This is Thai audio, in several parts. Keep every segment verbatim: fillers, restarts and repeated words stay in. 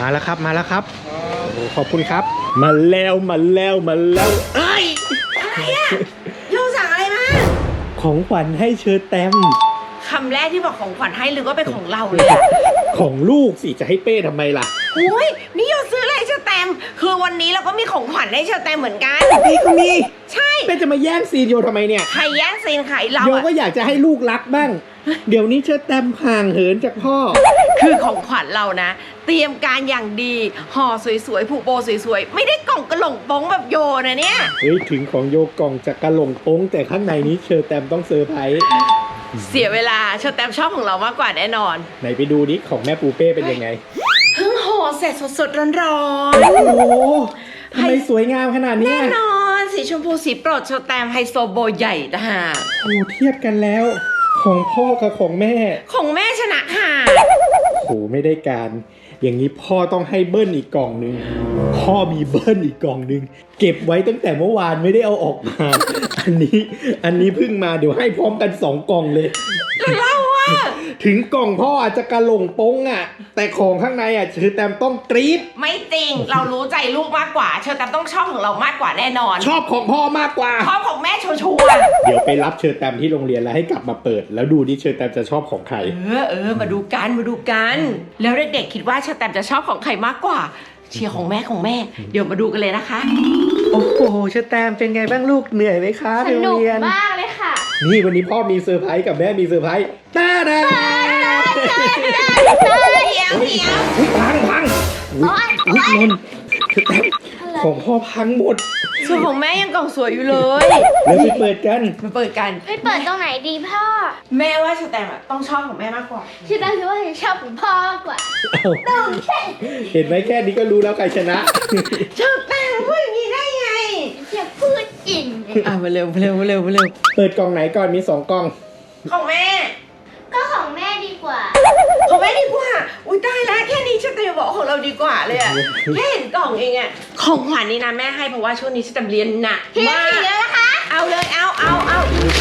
มาแล้วครับมาแล้วครับโอ้ขอบคุณครับมาแล้วมาแล้วมาแล้วเอ้ยอะไรอะโยสั่งอะไรมาของขวัญให้เชอแตมคำแรกที่บอกของขวัญให้หรือว่าเป็นของเราเลยอะของลูกสิจะให้เป้ทำไมล่ะอุ้ยนี่โยซื้ออะไรเชอแตมคือวันนี้เราก็มีของขวัญให้เชอแตมเหมือนกันพี่ก็มีใช่เป้จะมาแย่งซีนโยทำไมเนี่ยใครแย่งซีนใครเราโยก็อยากจะให้ลูกรักบ้างเดี๋ยวนี้เชอแตมห่างเหินจากพ่อคือของขวัญเรานะเตรียมการอย่างดีห่อสวยๆผูกโบสวยๆไม่ได้กล่องกระหล่งป้งแบบโยนะเนี่ยเฮ้ยถึงของโยกล่องจะกระหล่งป้งแต่ข้างในนี้เชอแตมต้องเซอร์ไพรส์เสียเวลาเชอแตมชอบของเรามากกว่าแน่นอนไหนไปดูดิของแม่ปูเป้เป็นยังไงเพิ่งห่อเสร็จสดๆร้อนๆโอ้โหทำไมสวยงามขนาดนี้แน่นอนสีชมพูสีโปรดเชอแตมไฮโซโบใหญ่นะฮะโอ้เทียบกันแล้วของพ่อกับของแม่ของแม่ชนะค่ะโหไม่ได้การอย่างนี้พ่อต้องให้เบิ้ลอีกกล่องนึงพ่อมีเบิ้ลอีกกล่องนึงเก็บไว้ตั้งแต่เมื่อวานไม่ได้เอาออกมาอันนี้อันนี้เพิ่งมาเดี๋ยวให้พร้อมกันสองกล่องเลยเล่าว่าถึงกล่องพ่ออาจจะกระหล่งป้งอ่ะแต่ของข้างในอ่ะเชอแตมต้องกรี๊ดไม่จริงเรารู้ใจลูกมากกว่าเชอแตมต้องชอบของเรามากกว่าแน่นอนชอบของพ่อมากกว่าชอบของแม่ชัวร์เดี๋ยวไปรับเชอแตมที่โรงเรียนแล้วให้กลับมาเปิดแล้วดูดิเชอแตมจะชอบของใครเออเออมาดูกันมาดูกันแล้วเด็กๆคิดว่าเชอแตมจะชอบของใครมากกว่าเชียร์ของแม่ของแม่เดี๋ยวมาดูกันเลยนะคะโอ้โหเชอแตมเป็นไงบ้างลูกเหนื่อยไหมคะสนุกมากเลยค่ะนี่วันนี้พ่อมีเซอร์ไพรส์กับแม่มีเซอร์ไพรส์ตาดาเดี๋ยวเดี๋ยวพังพังอุ้ยอุ้ยนนของพ่อพังหมดส่วนของแม่ยังกล่องสวยอยู่เลยแล้วไปเปิดกันมาเปิดกันไปเปิดตรงไหนดีพ่อแม่ว่าเชอแตมต้องชอบของแม่มากกว่าเชอแตมคิดว่าชอบของพ่อมากกว่าต้องใช่เห็นไหมแค่นี้ก็รู้แล้วใครชนะเชอแตมพูดอย่างนี้ได้ไงอย่าพูดจริงอ่ะมาเร็วมาเร็วมาเร็วมาเร็วเปิดกล่องไหนก่อนมีสองกล่องของแม่ก็ของแม่ดีกว่าของแม่ดีกว่าอุ้ยได้แล้วแค่นี้ฉันจะบอกของเราดีกว่าเลยอะแค่เห็นกล่องเองอะของขวัญนี่นะแม่ให้เพราะว่าช่วงนี้ฉันจะเรียนหนักมากเยอะนะคะเอาเลยเอาเอาเอา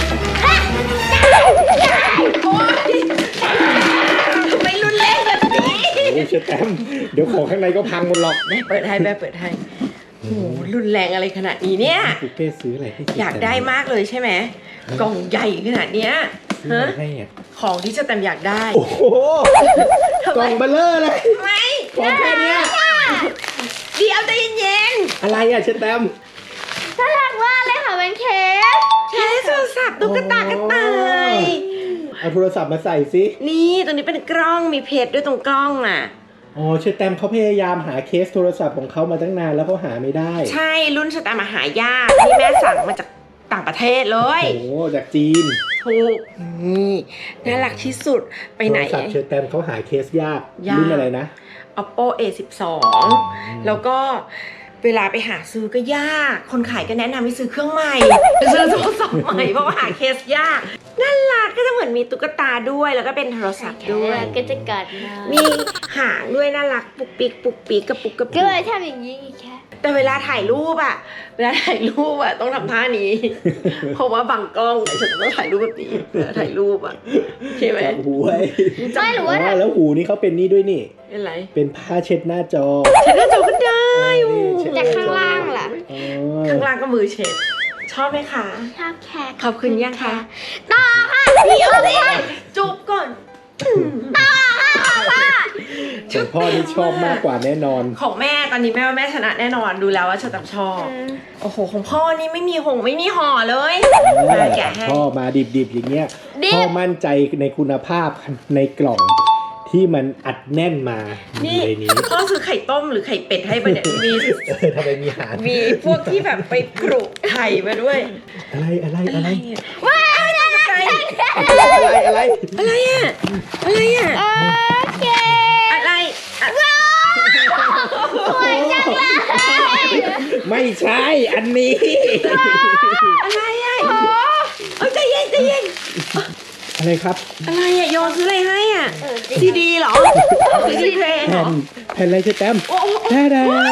ทำไมรุนแรงแบบนี้โอ้ยเชอแตมเดี๋ยวของข้างในก็พังหมดหรอกแม่เปิดให้แม่เปิดให้โอ้รุนแรงอะไรขนาดนี้เนี่ยปุ๊เป้ซื้ออะไรให้อยากได้มากเลยใช่ไหมกล่องใหญ่ขนาดเนี้ยฮะของที่จะแตมอยากได้โอ้โหกล่องเบลเลอร์เลยไม่ของแค่นี้เดี๋ยวใจเย็นๆอะไรอ่ะเชอแตมน่ารักมากเลยค่ะเป็นเคสเคสโทรศัพท์ตุ๊กตากระต่ายเอาโทรศัพท์มาใส่สินี่ตรงนี้เป็นกล้องมีเพจด้วยตรงกล้องอ่ะอ๋อเชอแตมเขาพยายามหาเคสโทรศัพท์ของเขามาตั้งนานแล้วเขาหาไม่ได้ใช่รุ่นเชอแตมมาหายากที่แม่สั่งมาจากต่างประเทศเลยโอ้จากจีนถูกนี่น่ารักที่สุดไปไหนโทรศัพท์เชอแตมเขาหาเคสยากรุ่นอะไรนะ Oppo เอ สิบสอง แล้วก็เวลาไปหาซื้อก็ยากคนขายก็แนะนำให้ซื้อเครื่องใหม่ซื้อโทรศัพท์ใหม่เพราะว่าหาเคสยากน่ารักก็จะเหมือนมีตุ๊กตาด้วยแล้วก็เป็นโทรศัพท์ด้วยก็จะกัดมีหางด้วยน่ารักปุกปิกปุกปิกกระปุกกระปุกก็เลยทำอย่างนี้แค่แต่เวลาถ่ายรูปอะเวลาถ่ายรูปอะต้องทำท่านี้เพราะว่าบังกล้องฉันต้องถ่ายรูปแบบนี้เวลาถ่ายรูปอะใช่ไหมหูไว้ใช่หรือว่าแล้วหูนี่เขาเป็นนี่ด้วยนี่เป็นไรเป็นผ้าเช็ดหน้าจอเช็ดหน้าจอก็ได้แต่ข้างล่างล่ะข้างล่างก็มือเช็ดชอบไหมคะชอบแค่ขอบคุณยังคะต่อค่ะพี่เอาเลยจุ๊บก่อนต่อค่ะพ่อของพ่อที่ชอบมากกว่าแน่นอนของแม่ตอนนี้แม่ว่าแม่ชนะแน่นอนดูแล้วว่าฉันชอบโอ้โหของพ่อนี่ไม่มีหงไม่มีห่อเลยแกะให้พ่อมาดิบๆอย่างเงี้ยพ่อมั่นใจในคุณภาพในกล่องที่มันอัดแน่นมานี่พ่อซื้อไข่ต้มหรือไข่เป็ดให้มาเนี่ยมีทำไมมีหางมีพวกที่แบบไปกรุไข่มาด้วยอะไรอะไรอะไรว้าวอะไรอะไรอะไรอะไรอ่ะอะไรอ่ะโอเคอะไรว้าวสวยจังเลยไม่ใช่อันนี้อะไรอ่ะโอ้ใจเย็นใจเย็นอะไรครับอะไรอ่ะโยนซื้ออะไรให้อ่ะซีดีเหรอซีดีเพลงเหรอแผ่นอะไรเชอแตมแท้ๆอะไร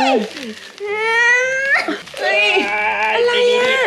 อ่ะ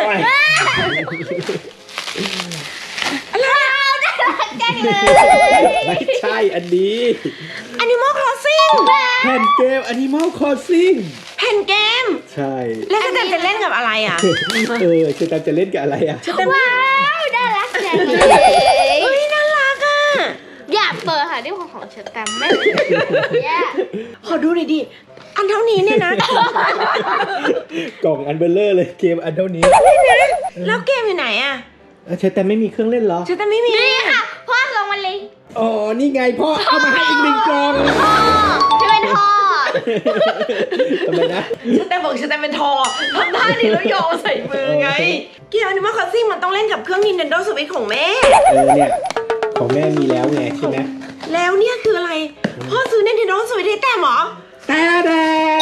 อะไรจังเลยไม่ใช่อันนี้ Animal Crossing แผ่นเกม Animal Crossing แผ่นเกมใช่แล้วจะจะเล่นกับอะไรอ่ะเออเชอแตมจะเล่นกับอะไรอ่ะว้าวน่ารักจังเลยเฮ้ยน่ารักอ่ะอยากเปิดค่ะที่ของของเชอแตมไม่แย่ขอดูหน่อยดิ อันเท่านี้เนี่ยนะกล่องอันเบลเลอร์เลยเกมอันเท่านี้แล้วเกมอยู่ไหนอ่ะเออเชอแตมไม่มีเครื่องเล่นเหรอฉันแต่ไม่มีนี่ค่ะพ่อลงมาเลยอ๋อ นี่ไงพ่อเอามาให้อีกหนึ่งกล่องพ่อที่เป็นพ่อทำไมนะฉันแต่บอกฉันแต่เป็นทอทำท่านี้แล้วโยนใส่มือไง เกม Animal Crossing มันต้องเล่นกับเครื่อง Nintendo Switch ของแม่เออเนี่ย ของแม่มีแล้วไงใช่ไหมแล้วเนี่ยคืออะไร พ่อซื้อ Nintendo Switch ให้แต่หมอแต่แดง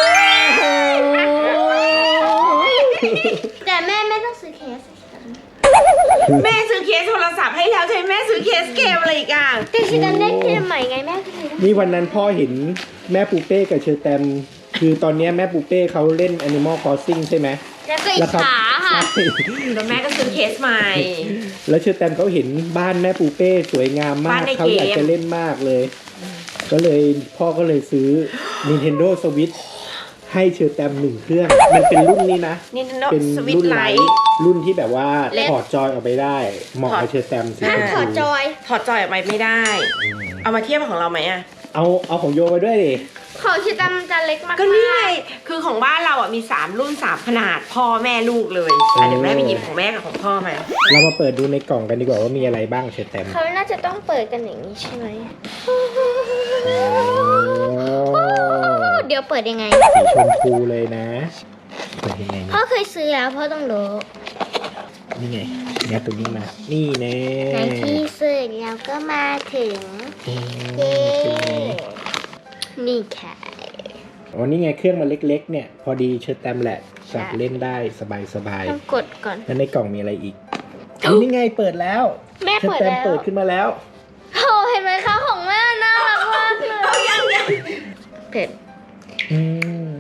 แต่แม่ไม่ต้องซื้อเคสแม่ซื้อเคสโทรศัพท์ให้แล้วใช่ไหมแม่ซื้อเคสเกมอะไรอีกอ่ะแต่ฉันเล่นเกมใหม่ไงแม่ก็เลยนี่วันนั้นพ่อเห็นแม่ปูเป้กับเชอแตมคือตอนเนี้ยแม่ปูเป้เขาเล่น Animal Crossing ใช่ไหมแล้วก็อิจฉาค่ะใช่แล้วแม่ก็ซื้อเคสใหม่แล้วเชอแตมเขาเห็นบ้านแม่ปูเป้สวยงามมากบ้านในเกมเขาอยากจะเล่นมากเลย ก็เลยพ่อก็เลยซื้อ Nintendo Switch ให้เชอแตมหนึ่งเครื่อง มันเป็นรุ่นนี้นะ Nintendo เป็น Switch รุ่นไล Lite ท์รุ่นที่แบบว่าเล็กถอดจอยออกไปได้ เหมาะกับเชอแตมสีห้ามชมขอพูจอยถอดจอยออกไปไม่ได้ เอามาเทียบกับของเราไหมอ่ะเอาเอาของโยมาด้วยดิของเชอแตมจะเล็กมากก็นี่ไง คือของบ้านเราอ่ะมีสามรุ่นสามขนาดพ่อแม่ลูกเลยอ่ะเดี๋ยวแม่ไปหยิบของแม่กับของพ่อมาเรามาเปิดดูในกล่องกันดีกว่าว่ามีอะไรบ้างเชอแตมเขาน่าจะต้องเปิดกันอย่างนี้ใช่ไหมเดี๋ยวเปิดยังไงสีชมพูเลยนะเปิดยังไงพ่อนะเคยซื้อแล้วพ่อต้องรู้นี่ไงแง่ตัวนี้มา นี่แน่ในที่สุดเราก็มาถึงอืมเย้เป็นไงนี่ค่ะอ๋อนี่ไงเครื่องมันเล็กๆเนี่ย พอดีเชิดแตมแหละจับเล่นได้สบายต้องกดก่อนๆแล้วในกล่องมีอะไรอีกอ๋อนี่ไงเปิดแล้วแม่เชิดเปิดแตมแล้วเปิดขึ้นมาแล้วโอ้เห็นไหมคะของแม่น่ารักมากเลยเอายังยังเผ็ดอืม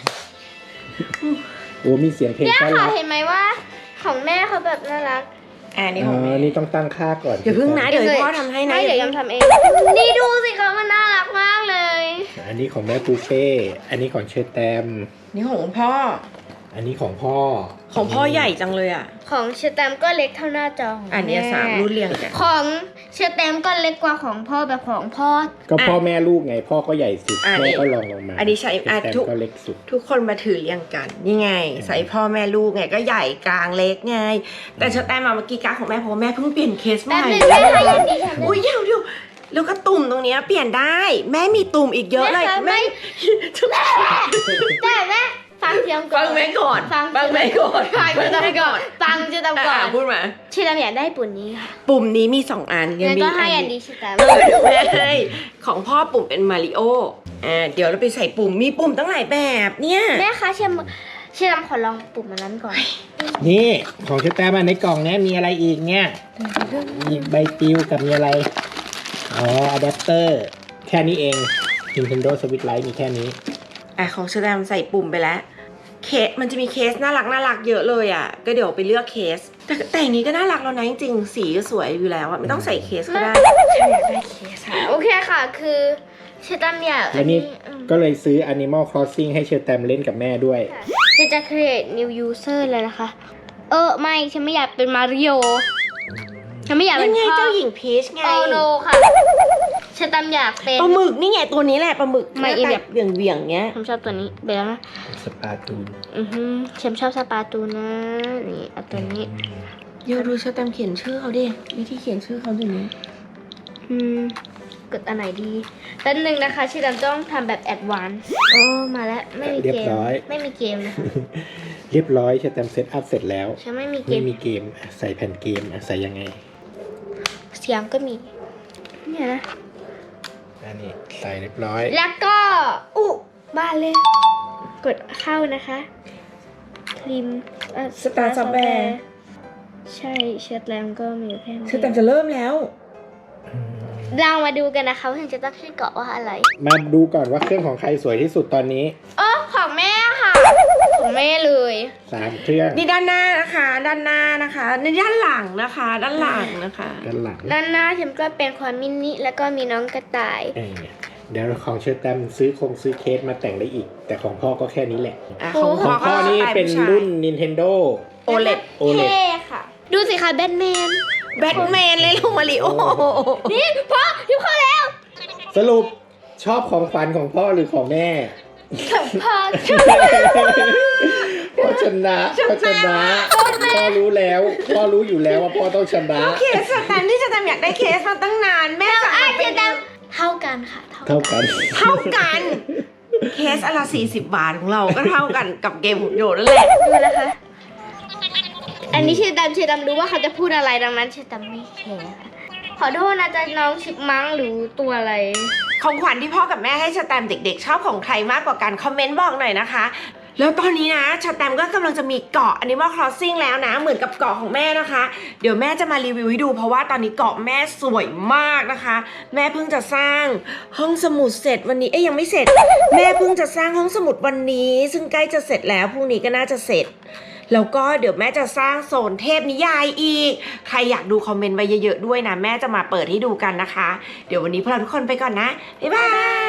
โอ้มีเสียงเพลงเนี่ยต้อนค่ะรับเห็นไหมว่าของแม่เขาแบบน่ารักอ่านี่อ๋ของอแม่นี่ต้องตั้งค่าก่อนอย่าเพิ่งนะ เดี๋ยวให้พ่อทำให้นะไม่เดี๋ยวยำทำเอง นี่ดูสิคะมันน่ารักมากเลยอันนี้ของแม่ปูเป้อันนี้ของเชิดแตมนี่ของคุณพ่ออันนี้ของพ่อของพ่อใหญ่จังเลยอ่ะของเชอร์แตมก็เล็กเท่าหน้าจอของอันเนี้ยแสามรุ่นเรียงกันของเชอร์แตมก็เล็กกว่าของพ่อแบบของพ่อก็พ่อแม่ลูกไง พ่อก็ใหญ่สุดอ่ะแม่นี่ก็ลองลงมาอันนี้ใช้อ่ะเชิดแตมทุกก็เล็กสุดทุกคนมาถือเรียงกัน นี่ไง ใส่พ่อแม่ลูกไงก็ใหญ่กลางเล็กไง แต่เชอแตมมาเมื่อกี้การดของแม่เพราะว่าแม่เพิ่งเปลี่ยนเคสใหแป๊ม่บนึงแม่ค่ะยังดีค่ะอุ้ยเดี๋ยวเดี๋ยวแล้วก็ตุ่มตรงเนี้ยเปลี่ยนได้ แม่มีตุ่มอีกเยอะเลยแม่คะไม่ แต่แม่ฟังเสียงก่อนฟังแม่ก่อนฟังฟังแม่ก่อนฟังเชอร์แตมก่อนฟังเชอร์แตมก่อนอ่ะพูดมาเชอร์แตมอยากได้ปุ่นนี้ค่ะปุ่มนี้มีสองอันยังงั้นมีก็ให้อัอันนนี้ดีเชอร์แตมเออเดี๋ยวแม่ให้ของพ่อปุ่มเป็นมาริโออ่าเดี๋ยวเราไปใส่ปุ่มมีปุ่มตั้งหลายแบบเนี่ยแม่คะเชอร์เชอร์แตมขอลองปุ่มมันนั้นก่อนนี่ของเชิดแตมอะในกล่องเนี้ยมีอะไรอีกเนี่ยมีใบปลิวกับมีอะไร อ๋ออะแดปเตอร์ แค่นี้เอง Nintendo Switch Lite มีแค่นี้อ่ะของเชอแตมใส่ปุ่มไปแล้วเคสมันจะมีเคสน่ารักน่ารักเยอะเลยอ่ะก็เดี๋ยวไปเลือกเคส แต่แต่อันนี้ก็น่ารักแล้วนะจริงๆสีก็สวยอยู่แล้วอ่ะไม่ต้องใส่เคสก็ได้ฉันอยากได้เคสค่ะโอเคค่ะคือเชอร์แตมอยากแล้วนี่อืมก็เลยซื้อ Animal Crossing ให้เชิดแตมเล่นกับแม่ด้วยฉันจะ create new user เลยนะคะ เออไม่ฉันไม่อยากเป็นมาริโอฉันไม่อยากนั่เป็น นไงพ่อเจ้าหญิงพีชไงโอโนค่ะฉันตามอยากเป็นปลาหมึกนี่ไงตัวนี้แหละปลาหมึกไม่หน้าแบแบบ บเหวี่ยงเวียงๆเงี้ยผมชอบตัวนี้เบลนะสปาตูนอือฮึฉันชอบสปาตูนะนี่เอาตัวนี้เดี๋ยวดูเชอแตมเขียนชื่อเขาดิวิธีเขียนชื่อเขาอยู่นี้อืมกดอันไหนดีแป๊บนึงนะคะฉันต้องทำแบบแอดวานซ์โอ้มาแล้วไม่มีเรียเกบมร้อยไม่มีเกมนะคะเรียบร้อยเชิดแตมเซตอัพเสร็จแล้วฉันไม่มีเกไม่มมีเกมอ่ะใส่แผ่นเกมอ่ะใส่ยังไงเสียงก็มีเนี่ยนะอันนี้ใส่เรียบร้อยแล้วก็อุ๊บ้านเลย กดเข้านะคะคลิมเอ่อสตาร์ซับแบร์ใช่เชิดแรมก็มีอยู่แค่นี้เชอแตมจะเริ่มแล้วเรามาดูกันนะคะว่าฉันจะตั้งชื่อเกาะว่าอะไรมาดูก่อนว่าเครื่องของใครสวยที่สุดตอนนี้เออของแม่ค่ะ ของแม่เลยสามเครื่องนี่ด้านหน้านะคะ ด้านหน้านะคะในด้านหลังนะคะ ด้านหลังนะคะด้านหลังด้านหน้าฉันก็เป็นความมินิแล้วก็มีน้องกระต่ายเออเดี๋ยวของเชอร์แตมซื้อคงซื้อเคสมาแต่งได้อีก แต่ของพ่อก็แค่นี้แหละอ่ะของของพ่พ่ออก็นี่สไตล์เป็นผู้ชายรุ่น Nintendo โอเลดโอเลดเท่ค่ะ ดูสิคะแบทแมนแบทแมนเลยลงมาริโอนี่พ่อทิปเข้าแล้วสรุปชอบของขวัญของพ่อหรือของแม่พ่อพ่อชนะพ่อชนะพ่อรู้แล้วพ่อรู้อยู่แล้วว่าพ่อต้องชนะเคสสแตมที่จะทำอยากได้เคสมาตั้งนานแม่จะอาเอาจไปจะเท่ากันค่ะเท่ากันเท่ากัน เคสอนละไรสี่สิบบาทของเราก็เท่ากันกับเกมหุ่นยนต์นั่นแหละดูนะคะ อันนี้เชดำเชดำรู้ว่าเขาจะพูดอะไรดังนั้นเชดำไม่แคร์ค่ะขอโทษนะจ๊ะน้องชิปมังหรือตัวอะไรของขวัญที่พ่อกับแม่ให้สแตมป์เด็กๆ ชอบของใครมากกว่ากันคอมเมนต์บอกหน่อยนะคะ แล้วตอนนี้นะสแตมป์ก็กำลังจะมีเกาะ Animal Crossing แล้วนะเหมือนกับเกาะของแม่นะคะ เดี๋ยวแม่จะมารีวิวให้ดูเพราะว่าตอนนี้เกาะแม่สวยมากนะคะ แม่เพิ่งจะสร้างห้องสมุดเสร็จวันนี้เอ้ยยังไม่เสร็จ แม่เพิ่งจะสร้างห้องสมุดวันนี้ ซึ่งใกล้จะเสร็จแล้วพรุ่งนี้ก็น่าจะเสร็จ แล้วก็เดี๋ยวแม่จะสร้างโซนเทพนิยายอีกใครอยากดูคอมเมนต์ไว้เยอะๆด้วยนะแม่จะมาเปิดให้ดูกันนะคะ เดี๋ยววันนี้พวกเราทุกคนไปก่อนนะบ๊ายบาย